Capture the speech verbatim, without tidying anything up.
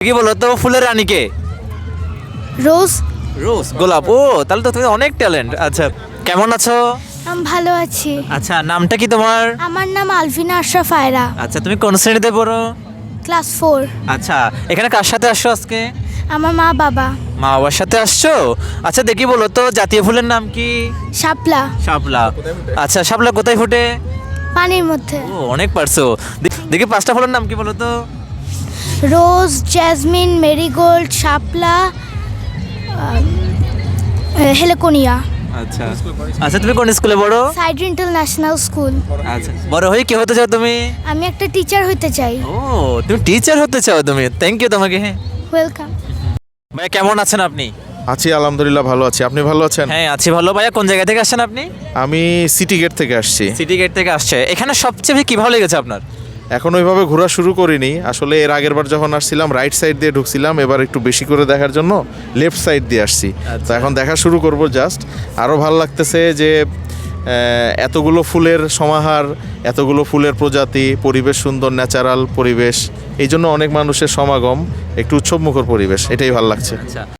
কি বলো তো ফুলের রানী কে? রোজ। রোজ, গোলাপ। ও তাহলে তো তুমি অনেক ট্যালেন্ট। আচ্ছা, কেমন আছো? আমি ভালো আছি। আচ্ছা, নামটা কি তোমার? আমার নাম আলভিনা আশরাফ আয়রা, আচ্ছা, তুমি কোন শ্রেণীতে পড়ো? Class four. আচ্ছা, এখানে কার সাথে আসছো আজকে? আমার মা বাবা। মা বাবার সাথে আসছো? আচ্ছা, দেখি বলো তো জাতীয় ফুলের নাম কি? শাপলা। শাপলা। আচ্ছা, শাপলা কোথায় ফোটে? পানির মধ্যে। ও, অনেক পারছো। দে- দেখি পাঁচটা ফুলের নাম কি বলো তো? রোজ, জ্যাসমিন, মেরিগোল্ড, শাপলা, হেলেকোনিয়া। আচ্ছা আচ্ছা, তুমি কোন স্কুলে পড়ো? Side international school. আচ্ছা, বড় হয়ে কি হতে চাও তুমি? আমি একটা টিচার হতে চাই। ও, তুমি টিচার হতে চাও তুমি? থ্যাংক ইউ তোমাকে। হ্যাঁ ওয়েলকাম। ভাইয়া, কেমন আছেন আপনি? আছি আলহামদুলিল্লাহ, ভালো আছি। আপনি ভালো আছেন? হ্যাঁ আছি ভালো। ভাইয়া, কোন জায়গা থেকে আসছেন আপনি? আমি সিটি গেট থেকে আসছি। সিটি গেট থেকে আসছে। এখানে সবচেয়ে বেশি কি ভালো লেগেছে আপনার? এখন ওইভাবে ঘোরা শুরু করিনি আসলে। এর আগের বার যখন আসছিলাম রাইট সাইড দিয়ে ঢুকছিলাম, এবার একটু বেশি করে দেখার জন্য লেফট সাইড দিয়ে আসছি। তো এখন দেখা শুরু করব জাস্ট। আরও ভালো লাগতেছে যে আহ, এতগুলো ফুলের সমাহার, এতগুলো ফুলের প্রজাতি, পরিবেশ সুন্দর, ন্যাচারাল পরিবেশ, এই জন্য অনেক মানুষের সমাগম, একটু উৎসবমুখর পরিবেশ, এটাই ভালো লাগছে। আচ্ছা